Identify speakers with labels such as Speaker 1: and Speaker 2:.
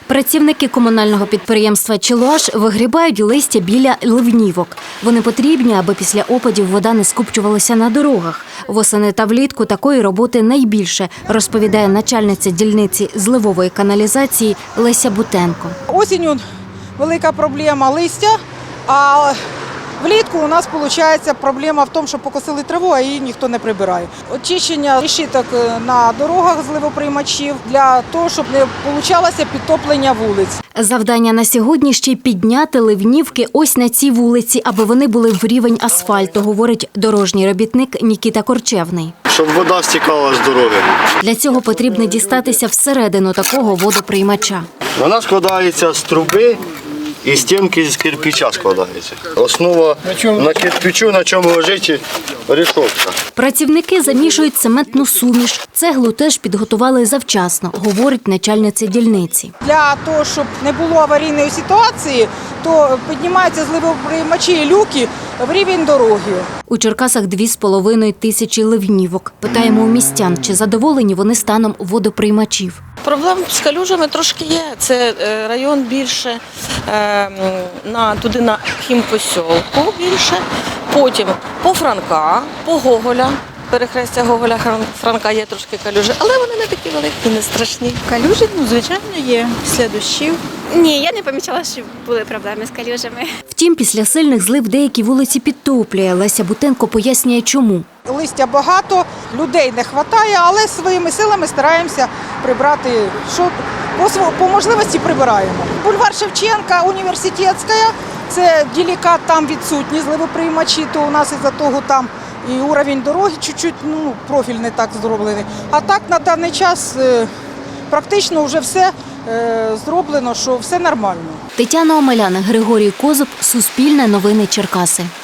Speaker 1: Працівники комунального підприємства «Челуаш» вигрібають листя біля ливнівок. Вони потрібні, аби після опадів вода не скупчувалася на дорогах. Восени та влітку такої роботи найбільше, розповідає начальниця дільниці зливової каналізації Леся Бутенко.
Speaker 2: Осінню велика проблема листя, а влітку у нас виходить проблема в тому, що покосили траву, а її ніхто не прибирає. Очищення решіток на дорогах зливоприймачів для того, щоб не вийшло підтоплення вулиць.
Speaker 1: Завдання на сьогодні ще й підняти ливнівки ось на цій вулиці, аби вони були в рівень асфальту, говорить дорожній робітник Нікіта Корчевний.
Speaker 3: Щоб вода стікала з дороги.
Speaker 1: Для цього потрібно дістатися всередину такого водоприймача.
Speaker 3: Вона складається з труби і стінки з кирпича складається. Основа на кирпичу, на чому лежить решетка.
Speaker 1: Працівники замішують цементну суміш. Цеглу теж підготували завчасно, говорить начальниця дільниці.
Speaker 2: Для того, щоб не було аварійної ситуації, то піднімаються зливоприймачі і люки в рівень дороги.
Speaker 1: У Черкасах 2,5 тисячі ливнівок. Питаємо у містян, чи задоволені вони станом водоприймачів.
Speaker 4: Проблем з калюжами трошки є. Це район більше, туди на хімпосьолку більше, потім по Франка, по Гоголя. Перехрестя Гоголя, Франка є трошки калюжі, але вони не такі великі, не страшні.
Speaker 5: Калюжі, звичайно, є після дощів.
Speaker 6: Ні, я не помічала, що були проблеми з калюжами.
Speaker 1: Втім, після сильних злив деякі вулиці підтоплює. Леся Бутенко пояснює, чому.
Speaker 2: Листя багато, людей не вистачає, але своїми силами стараємося прибрати, що по можливості прибираємо. Бульвар Шевченка, Університетська, це делікат, там відсутні зливоприймачі, то у нас із-за того там і уровень дороги чуть-чуть, профіль не так зроблений. А так на даний час практично вже все зроблено, що все нормально.
Speaker 1: Тетяна Омеляна, Григорій Козуб, Суспільне новини Черкаси.